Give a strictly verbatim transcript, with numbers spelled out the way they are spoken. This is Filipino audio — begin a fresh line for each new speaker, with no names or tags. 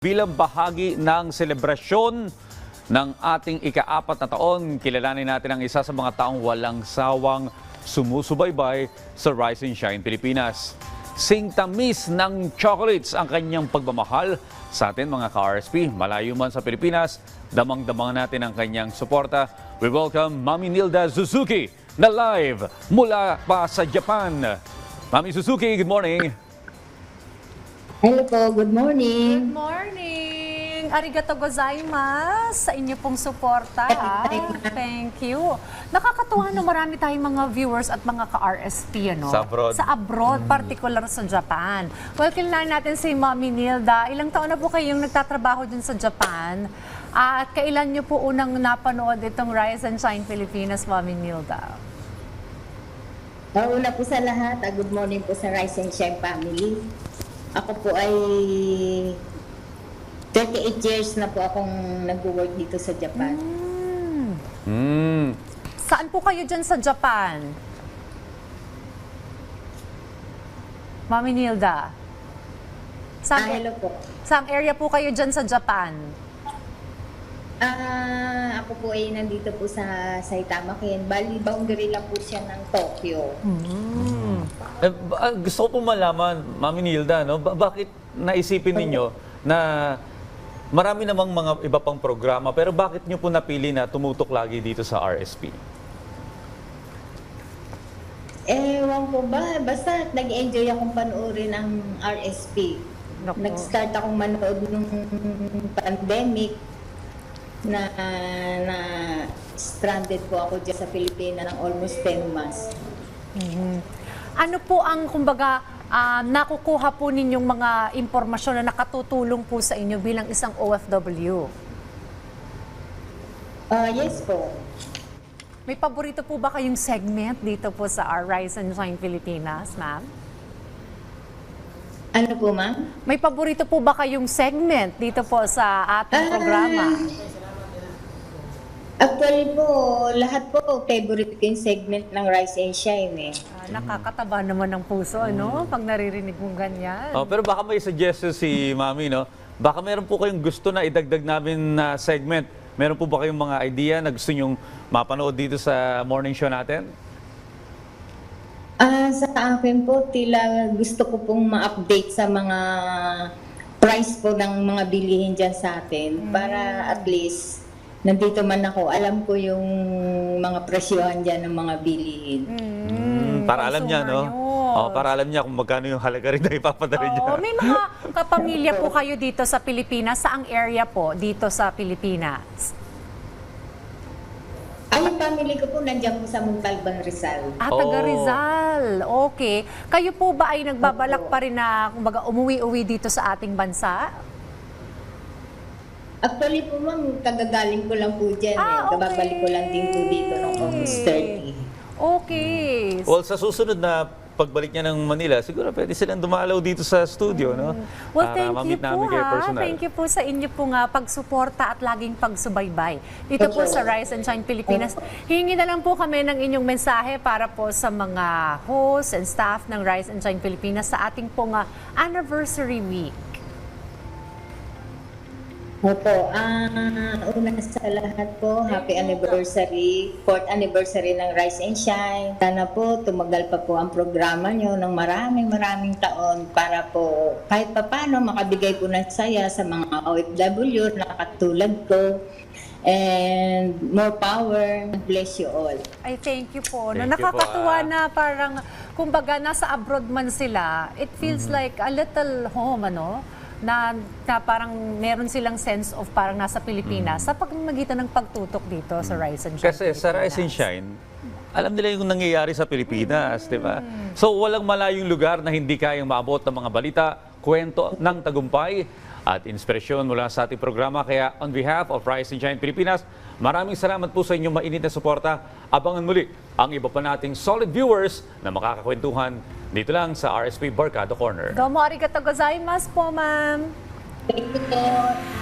Bilang bahagi ng selebrasyon ng ating ika-apat na taon, kilalanin natin ang isa sa mga taong walang sawang sumusubaybay sa Rise and Shine Pilipinas. Singtamis ng chocolates ang kanyang pagmamahal sa atin mga ka-R S P. Malayo man sa Pilipinas, damang-damang natin ang kanyang suporta. We welcome Mami Nilda Suzuki na live mula pa sa Japan. Mami Suzuki, good morning.
Hello po, good morning.
Good morning! Arigato gozaimasu sa inyo pong suporta. ha? Thank you. Nakakatuwa na marami tayong mga viewers at mga ka-R S P ano?
Sa abroad.
Sa abroad, particular sa Japan. Well, kailangan natin si Mami Nilda. Ilang taon na po kayong nagtatrabaho dun sa Japan? At kailan nyo po unang napanood itong Rise and Shine Pilipinas, Mami Nilda?
Una po sa lahat, ah, good morning po sa Rise and Shine family. Ako po ay thirty-eight years na po akong nag-work dito sa Japan.
Hmm.
Mm.
Saan po kayo dyan sa Japan? Mami Nilda?
Ah,
Saan,
hello po.
saan area po kayo dyan sa Japan?
Ah, ako po ay nandito po sa Saitama, Ken. Bali, boundary lang po siya ng Tokyo.
Eh, ba- ah, gusto ko po malaman, Mami Nilda, no? Ba- bakit naisipin ninyo na marami namang mga iba pang programa, pero bakit nyo po napili na tumutok lagi dito sa R S P?
Ewan ko ba, basta nag-enjoy akong panoorin ang R S P.
Naku.
Nag-start akong manood nung pandemic na na stranded po ako dyan sa Pilipinas ng almost ten months.
Ano po ang, kumbaga, ah, nakukuha po ninyong mga impormasyon na nakatutulong po sa inyo bilang isang O F W?
Ah, yes po.
May paborito po ba kayong segment dito po sa our Rise and Shine Pilipinas, ma'am?
Ano po, ma'am?
May paborito po ba kayong segment dito po sa ating
Ah.
programa?
Actually po, lahat po favorite ko yung segment ng Rise and Shine eh.
Ah, nakakataba naman ng puso, ano? Pag naririnig mong ganyan.
Oh, pero baka may suggestion si Mami, no? Baka meron po kayong gusto na idagdag namin na segment. Meron po ba kayong mga idea na gusto nyong mapanood dito sa morning show natin?
Ah, sa akin po, tila gusto ko pong ma-update sa mga price po ng mga bilihin dyan sa atin para at least nandito man ako, alam ko yung mga presyohan dyan ng mga bilihin.
Mm,
Para alam niya, no?
consumer
Oh,
news.
para alam niya kung magkano yung halaga rin na ipapadala niya.
Oo, may mga kapamilya po kayo dito sa Pilipinas. Saang area po dito sa Pilipinas?
Ay, yung family ko po nandiyan po sa Montalban, Rizal.
Ah, taga
Oh.
Rizal. Okay. Kayo po ba ay nagbabalak pa rin na kumbaga umuwi-uwi dito sa ating bansa?
Actually po, ma'am, kagagaling ko lang po dyan
Ah,
eh. Kababalik ko lang din po dito noong August thirty.
Okay.
Well, sa susunod na pagbalik niya ng Manila, siguro pwede silang dumalaw dito sa studio, no?
Well,
Para
thank you
ma-meet
po
namin kayo
ha.
personal.
Thank you po sa inyo pong ah, pagsuporta at laging pagsubaybay. Dito po sa Rise and Shine Pilipinas. Hingi na lang po kami ng inyong mensahe para po sa mga hosts and staff ng Rise and Shine Pilipinas sa ating pong ah, anniversary week.
Opo, ah, una sa lahat po, happy anniversary, fourth anniversary ng Rise and Shine. Sana po tumagal pa po ang programa nyo ng maraming maraming taon para po kahit papano makabigay po ng saya sa mga O F W na katulad ko. And more power. Bless you all.
Ay, thank you po.
Thank
No,
you po,
nakakatuwa
ah.
na parang, kumbaga, nasa abroad man sila, it feels
Mm-hmm.
like a little home, ano? Na, na parang meron silang sense of parang nasa Pilipinas sa pagmamagitan ng pagtutok dito sa Rise and Shine
Mm-hmm. Kasi sa Rise and
Pilipinas.
Shine, alam nila yung nangyayari sa Pilipinas, di ba? So walang malayong lugar na hindi kayang maabot ng mga balita, kwento ng tagumpay at inspirasyon mula sa ating programa. Kaya on behalf of Rise and Shine Pilipinas, maraming salamat po sa inyong mainit na suporta. Abangan muli ang iba pa nating solid viewers na makakakwentuhan dito lang sa R S P Barkada Corner.
Domo arigato gozaimasu po, ma'am.
Thank you po.